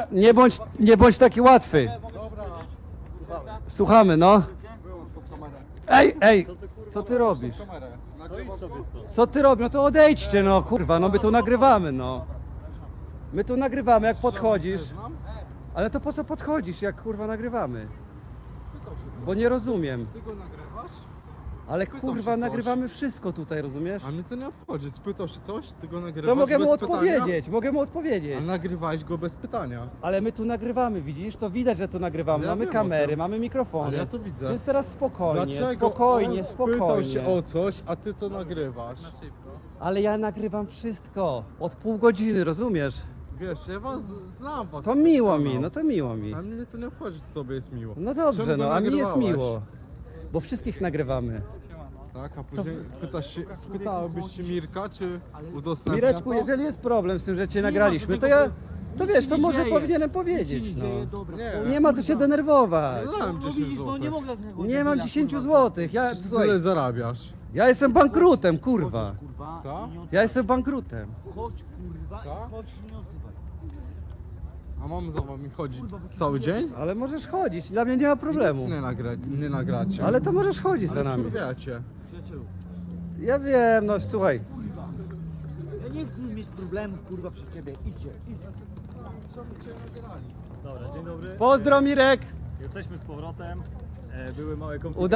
nie bądź taki łatwy. Słuchamy, no. Ej, co ty robisz? Co ty robisz? No to odejdźcie, no kurwa, no my tu nagrywamy, no. My tu nagrywamy, jak podchodzisz. Ale to po co podchodzisz, jak kurwa nagrywamy? Bo nie rozumiem. Ty go nagrywasz? Ale Spytał kurwa, się coś. nagrywamy wszystko tutaj, rozumiesz? A mnie to nie obchodzi. Spytał się coś, ty go nagrywasz To mogę mu bez pytania? odpowiedzieć. Ale nagrywałeś go bez pytania. Ale my tu nagrywamy, widzisz? To widać, że tu nagrywamy. Ja Mamy wiem o kamery, tym. mamy mikrofony. Ale ja to widzę. Więc teraz spokojnie, Dlaczego spokojnie, on spytał spokojnie. się o coś, a ty to nagrywasz? Ale ja nagrywam wszystko. Od pół godziny, rozumiesz? Wiesz, ja was znam was. To miło mi, no to miło mi. A mnie to nie obchodzi, co tobie jest miło. No Czemu dobrze, go no a mi jest nagrywałeś? miło. Bo wszystkich nagrywamy. Tak, a później spytałbyś się Mirka, czy udostępnia Mireczku, to? jeżeli jest problem z tym, że cię nagraliśmy, to ja... To wiesz, to może powinienem powiedzieć, no. Nie ma co się denerwować. Dałem No 10 widzisz, no nie zł. mogę tego Nie mam 10 złotych. Ja, Tyle słuchaj, zarabiasz. ja jestem bankrutem, kurwa. Kurwa, Tak? i nie odzywaj. Ja jestem bankrutem. Chodź kurwa Tak? i chodź i nie odzywaj. A mam za wami chodzić cały dzień? Ale możesz chodzić, dla mnie nie ma problemu. Nic nie nagracie. Ale to możesz chodzić za Ale nami. wkurwiacie. Przyjacielu, Ja wiem, no słuchaj. ja nie chcę mieć problemów kurwa przy ciebie. Idźcie. Dobra, dzień dobry. Pozdro Mirek! Jesteśmy z powrotem. Były małe komplikacje.